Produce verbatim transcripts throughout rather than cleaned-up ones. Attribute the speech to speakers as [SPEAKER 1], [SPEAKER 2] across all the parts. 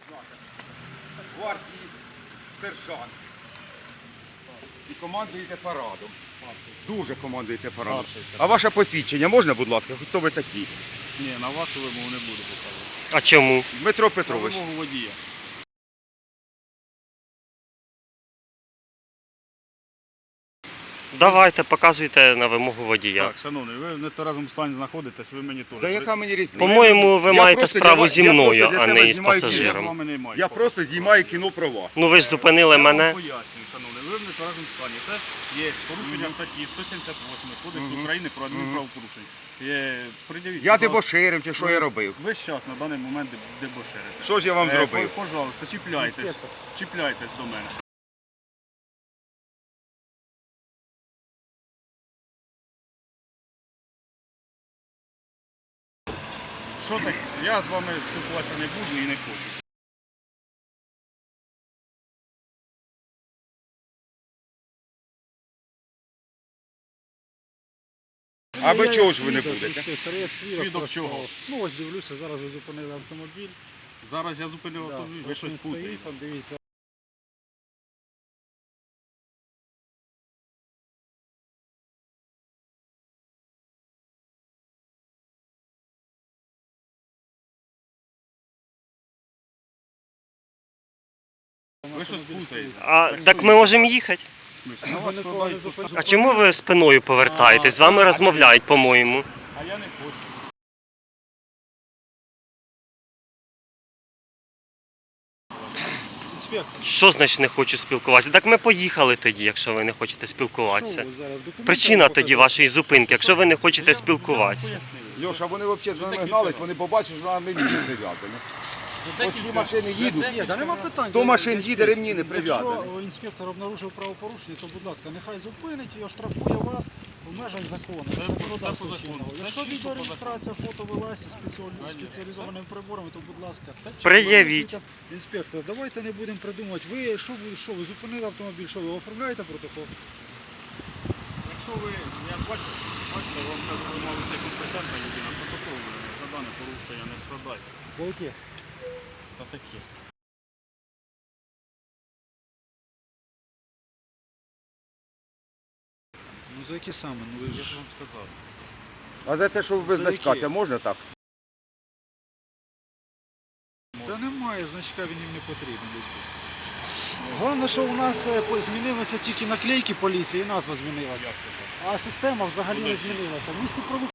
[SPEAKER 1] гвардії, сержант. І командуєте парадом. Дуже командуєте парадом. А ваше посвідчення можна, будь ласка? Хто ви такі?
[SPEAKER 2] Ні, на вашу вимогу не буду показувати.
[SPEAKER 3] А чому?
[SPEAKER 1] Дмитро
[SPEAKER 2] На
[SPEAKER 1] Петрович.
[SPEAKER 2] вимогу водія.
[SPEAKER 3] Давайте, показуйте на вимогу водія.
[SPEAKER 2] Так, шановний, ви в нетверезому стані знаходитесь, ви мені теж.
[SPEAKER 1] Да яка мені різниця?
[SPEAKER 3] По-моєму, ви
[SPEAKER 1] Я
[SPEAKER 3] маєте
[SPEAKER 1] просто
[SPEAKER 3] справу
[SPEAKER 1] для-
[SPEAKER 3] зі
[SPEAKER 1] я
[SPEAKER 3] мною,
[SPEAKER 1] просто для
[SPEAKER 3] а
[SPEAKER 1] тебе
[SPEAKER 3] не із
[SPEAKER 1] знімаю
[SPEAKER 2] Я з
[SPEAKER 3] пасажиром.
[SPEAKER 2] вами не маю.
[SPEAKER 1] Я просто знімаю кіно про вас.
[SPEAKER 3] Ну ви ж зупинили
[SPEAKER 2] Я
[SPEAKER 3] мене.
[SPEAKER 2] вам пояснюю, шановний, ви в нетверезому стані. Це є порушення статті сто сімдесят восьмої Кодексу
[SPEAKER 1] Мгм.
[SPEAKER 2] України про
[SPEAKER 1] Мгм.
[SPEAKER 2] адмінправопорушення. Є, пред'явіть,
[SPEAKER 1] Я
[SPEAKER 2] пожалуйста.
[SPEAKER 1] дебоширив чи що я робив?
[SPEAKER 2] Ви зараз на даний момент дебоширите.
[SPEAKER 1] Що ж я вам
[SPEAKER 2] Е,
[SPEAKER 1] зробив?
[SPEAKER 2] по- Пожалуйста, чіпляйтесь. Чіпляйтесь до мене. Що так? Я з вами спілкуватися не буду і не хочу.
[SPEAKER 1] А ви чого ж ви не будете?
[SPEAKER 2] Свідок чого?
[SPEAKER 4] Ну ось дивлюся, зараз ви зупинили автомобіль.
[SPEAKER 2] Зараз я зупинив автомобіль, ви
[SPEAKER 4] Ось
[SPEAKER 2] щось
[SPEAKER 4] він
[SPEAKER 2] путаєте.
[SPEAKER 4] стоїть, там, дивіться.
[SPEAKER 2] Ви щось путаєте.
[SPEAKER 3] А так ми можемо їхати.
[SPEAKER 2] В смислі? На
[SPEAKER 4] Ви
[SPEAKER 2] вас
[SPEAKER 4] ніколи
[SPEAKER 2] складають
[SPEAKER 4] не зупиняєте.
[SPEAKER 3] А чому ви спиною повертаєтесь? З вами розмовляють, по-моєму.
[SPEAKER 2] А я не хочу.
[SPEAKER 4] Інспектор,
[SPEAKER 3] Що значить не хочу спілкуватися? Так ми поїхали тоді, якщо ви не хочете спілкуватися.
[SPEAKER 4] що ви зараз документи
[SPEAKER 3] Причина
[SPEAKER 4] вам
[SPEAKER 3] тоді
[SPEAKER 4] показати?
[SPEAKER 3] вашої зупинки, якщо ви не хочете
[SPEAKER 2] Я вже вам
[SPEAKER 3] спілкуватися.
[SPEAKER 2] пояснив.
[SPEAKER 1] Льоша, вони взагалі з нами
[SPEAKER 2] такі
[SPEAKER 1] гнались,
[SPEAKER 2] діла.
[SPEAKER 1] вони побачать, що нам ремні не прив'язані. Ось ці машини їдуть.
[SPEAKER 4] Ні, да нема питань.
[SPEAKER 1] сто машин їде, ремні не прив'язані.
[SPEAKER 4] Якщо інспектор обнаружив правопорушення, то, будь ласка, нехай зупинить і оштрафує вас в межах закону.
[SPEAKER 2] Це по- це
[SPEAKER 4] законодавства
[SPEAKER 2] по закону.
[SPEAKER 4] чинного.
[SPEAKER 2] Це
[SPEAKER 4] Якщо
[SPEAKER 2] чисто по
[SPEAKER 4] відеореєстрація фото велася спеціаль-
[SPEAKER 2] Конечно.
[SPEAKER 4] спеціалізованими приборами, то, будь ласка,
[SPEAKER 3] Пред'явіть.
[SPEAKER 4] інспектор, давайте не будемо придумувати. Ви що ви що ви зупинили автомобіль? Що ви оформляєте протокол?
[SPEAKER 2] Якщо ви, я бачу, бачите, вам кажу, ви мали бути компетентна людина, протокол за дане порушення не складається.
[SPEAKER 4] За яке?
[SPEAKER 2] Та таке.
[SPEAKER 4] Ну за які саме? Ну ви
[SPEAKER 2] Я
[SPEAKER 4] ж
[SPEAKER 2] ж вам сказав.
[SPEAKER 1] А за те, що ви без
[SPEAKER 4] За
[SPEAKER 1] значка,
[SPEAKER 4] які?
[SPEAKER 1] це можна так?
[SPEAKER 4] Та немає, значка він їм не потрібен. десь тут. Головне, що у нас е, по- змінилися тільки наклейки поліції і назва змінилася.
[SPEAKER 2] Як це так?
[SPEAKER 4] А система взагалі не
[SPEAKER 2] Куди?
[SPEAKER 4] змінилася. В місті прову-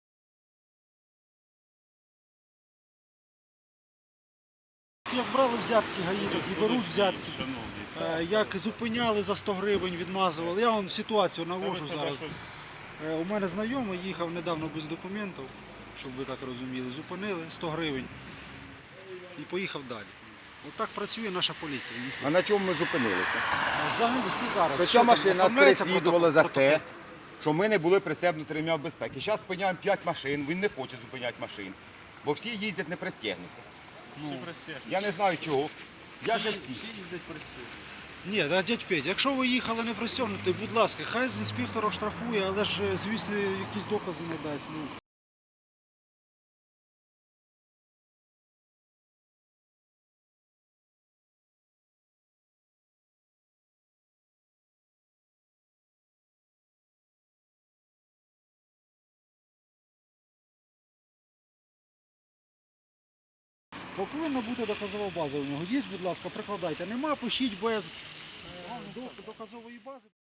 [SPEAKER 4] Як брали взятки гаї, так і беруть взятки.
[SPEAKER 2] Шановні,
[SPEAKER 4] Е, Як зупиняли за сто гривень, відмазували. Я вам ситуацію
[SPEAKER 2] Та ви
[SPEAKER 4] навожу
[SPEAKER 2] себе
[SPEAKER 4] зараз.
[SPEAKER 2] щось-
[SPEAKER 4] Е, У мене знайомий їхав недавно без документів, щоб ви так розуміли. Зупинили сто гривень і поїхав далі. Отак працює наша поліція.
[SPEAKER 1] А на чому ми зупинилися?
[SPEAKER 4] Взагалі всі зараз.
[SPEAKER 1] Це
[SPEAKER 4] що
[SPEAKER 1] ця
[SPEAKER 4] там,
[SPEAKER 1] машина нас
[SPEAKER 4] оформляється
[SPEAKER 1] переслідувала за
[SPEAKER 4] протокол?
[SPEAKER 1] те, що ми не були пристебнуті ремням безпеки. Зараз спиняємо п'ять машин, він не хоче зупиняти машин, бо всі їздять не пристегнуті.
[SPEAKER 2] Всі присяжні.
[SPEAKER 1] Я не знаю чого. Я же
[SPEAKER 2] Всі
[SPEAKER 1] всі.
[SPEAKER 2] всі їздять присяжні.
[SPEAKER 4] Ні, да, дядь Петь, якщо ви їхали не пристегнутий, будь ласка, хай з інспектора штрафує, але ж, е, звісно, якісь докази не дасть. Ну. Бо повинна бути доказова база у нього. Є, будь ласка, прикладайте. Нема, пишіть без е, доказової бази.